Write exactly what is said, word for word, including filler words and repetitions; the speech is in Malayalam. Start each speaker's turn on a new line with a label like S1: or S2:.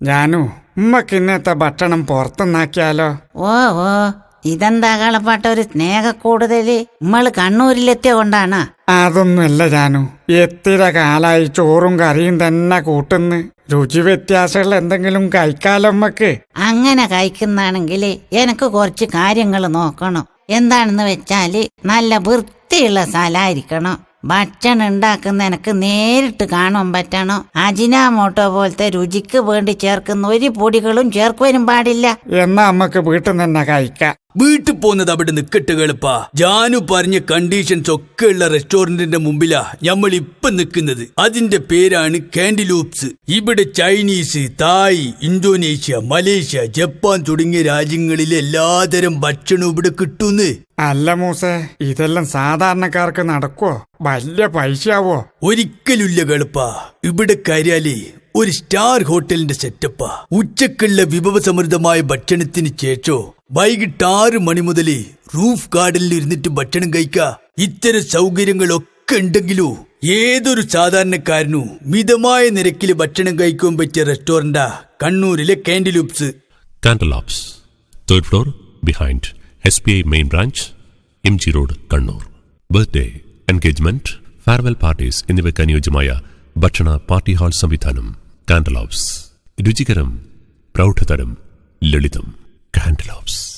S1: ജാനു, ഉമ്മക്ക് ഇന്നത്തെ ഭക്ഷണം പുറത്തുനിന്നാക്കിയാലോ?
S2: ഓ ഓ ഇതെന്താ കളപ്പാട്ട ഒരു സ്നേഹ കൂടുതല്? നമ്മള് കണ്ണൂരിലെത്തിയ കൊണ്ടാണ്?
S1: അതൊന്നുമല്ല ജാനു, എത്ര കാലായി ചോറും കറിയും തന്നെ കൂട്ടുന്ന്. രുചി വ്യത്യാസമുള്ള എന്തെങ്കിലും കഴിക്കാലോ നമ്മക്ക്.
S2: അങ്ങനെ കഴിക്കുന്നാണെങ്കില് എനിക്ക് കുറച്ച് കാര്യങ്ങൾ നോക്കണം. എന്താണെന്ന് വെച്ചാല് നല്ല വൃത്തിയുള്ള സ്ഥലമായിരിക്കണം. ഭക്ഷണം ഉണ്ടാക്കുന്ന എനിക്ക് നേരിട്ട് കാണാൻ പറ്റണം. അജിനാമോട്ടോ പോലത്തെ രുചിക്ക് വേണ്ടി ചേർക്കുന്ന ഒരു പൊടികളും ചേർക്കുവാനും പാടില്ല.
S1: എന്നാ നമ്മക്ക് വീട്ടിൽ നിന്ന് തന്നെ കഴിക്കാം.
S3: വീട്ടിൽ പോകുന്നത് അവിടെ നിക്കട്ട് കേളപ്പാ. ജാനു പറഞ്ഞ കണ്ടീഷൻസ് ഒക്കെ ഉള്ള റെസ്റ്റോറന്റിന്റെ മുമ്പിലാ നമ്മൾ ഇപ്പൊ നിൽക്കുന്നത്. അതിന്റെ പേരാണ് കാൻഡിലൂപ്സ്. ഇവിടെ Chinese, Thai, Indonesia, Malaysia, Japan തുടങ്ങിയ രാജ്യങ്ങളിലെ എല്ലാതരം ഭക്ഷണവും ഇവിടെ കിട്ടുന്നു.
S1: അല്ല മൂസേ, ഇതെല്ലാം സാധാരണക്കാർക്ക് നടക്കുവോ? വലിയ പൈസയാവോ?
S3: ഒരിക്കലുമില്ല കേളപ്പാ. ഇവിടെ കയറിയാലേ ഒരു സ്റ്റാർ ഹോട്ടലിന്റെ സെറ്റപ്പാ. ഉച്ചക്കുള്ള വിഭവസമൃദ്ധമായ ഭക്ഷണത്തിന് ശേഷോ വൈകിട്ട് ആറ് മണി മുതല് റൂഫ് ഗാർഡനിൽ ഇരുന്നിട്ട് ഭക്ഷണം കഴിക്കാ. ഇത്തരം സൗകര്യങ്ങളൊക്കെ ഉണ്ടെങ്കിലോ ഏതൊരു സാധാരണക്കാരനും മിതമായ നിരക്കിൽ ഭക്ഷണം കഴിക്കാൻ പറ്റിയ റെസ്റ്റോറന്റാ കണ്ണൂരിലെ Candyloops.
S4: Candyloops, third floor, behind S B I main branch, M G road, Kannur. Birthday, engagement, farewell parties എന്നിവയ്ക്ക് അനുയോജ്യമായ ഭക്ഷണ പാർട്ടി ഹാൾ സംവിധാനം. കാൻഡിലൂപ്സ്, രുചികരം, പ്രൗഢതരം, ലളിതം. കാൻഡിലൂപ്സ്.